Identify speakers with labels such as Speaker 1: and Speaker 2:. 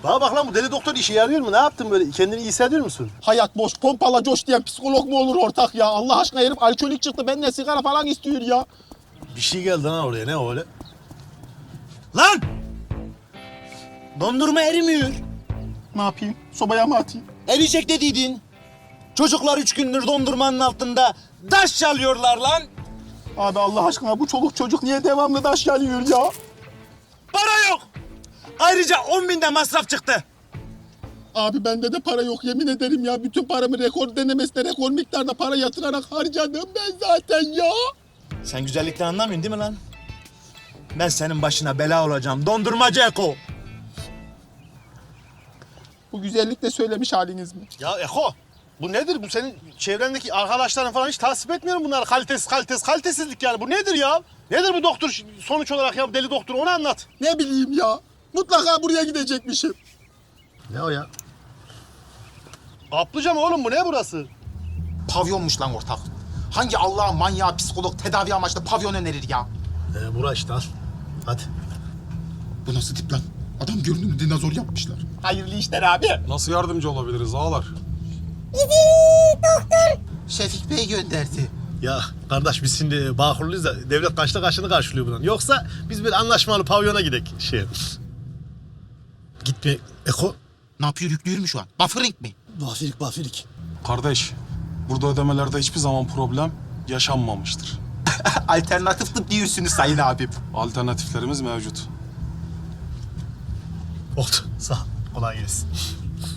Speaker 1: Bana bak lan bu deli doktor işe yarıyor mu? Ne yaptın böyle? Kendini iyi hissediyor musun?
Speaker 2: Hayat boş, pompala coş diyen psikolog mu olur ortak ya? Allah aşkına herif alkolik çıktı. Benden sigara falan istiyor ya.
Speaker 1: Bir şey geldi lan oraya. Ne o öyle?
Speaker 3: Lan! Dondurma erimiyor.
Speaker 2: Ne yapayım? Sobaya mı atayım?
Speaker 3: Eriyecek dediydin. Çocuklar 3 gündür dondurmanın altında taş çalıyorlar lan.
Speaker 2: Abi Allah aşkına bu çoluk çocuk niye devamlı taş geliyor ya?
Speaker 3: Para yok. Ayrıca 10.000 de masraf çıktı.
Speaker 2: Abi bende de para yok yemin ederim ya. Bütün paramı rekor denemesine rekor miktarda para yatırarak harcadım ben zaten ya.
Speaker 3: Sen güzellikten anlamıyorsun değil mi lan? Ben senin başına bela olacağım. Dondurmacı Eko.
Speaker 2: Bu güzellikle söylemiş haliniz mi?
Speaker 1: Ya Eko, bu nedir? Bu senin çevrendeki arkadaşların falan hiç tasvip etmiyorum bunları. Kalitesizlik yani. Bu nedir ya? Nedir bu doktor sonuç olarak ya? Deli doktor onu anlat.
Speaker 2: Ne bileyim ya. Mutlaka buraya gidecekmişim.
Speaker 1: Ne o ya? Kaplıca mı oğlum bu? Ne burası?
Speaker 4: Pavyonmuş lan ortak. Hangi Allah'ın manyağı psikolog tedavi amaçlı pavyon önerir ya?
Speaker 1: Bura işte al. Hadi.
Speaker 4: Bu nasıl tip lan? Adam görünümlü dinozor yapmışlar.
Speaker 2: Hayırlı işler abi.
Speaker 5: Nasıl yardımcı olabiliriz ağalar?
Speaker 4: Şefik Bey gönderdi.
Speaker 1: Ya kardeş biz şimdi Bağkurluyuz da devlet kaçta kaçını karşılıyor bundan. Yoksa biz bir anlaşmalı pavyona gidek şey. Gitme Eko.
Speaker 4: Ne yapıyor, yüklüyor mu şu an? Buffering mi?
Speaker 1: Bafirik.
Speaker 5: Kardeş, burada ödemelerde hiçbir zaman problem yaşanmamıştır.
Speaker 4: Alternatif tıp diyorsunuz sayın abim.
Speaker 5: Alternatiflerimiz mevcut.
Speaker 1: Oldu. Sağ ol. Kolay gelsin.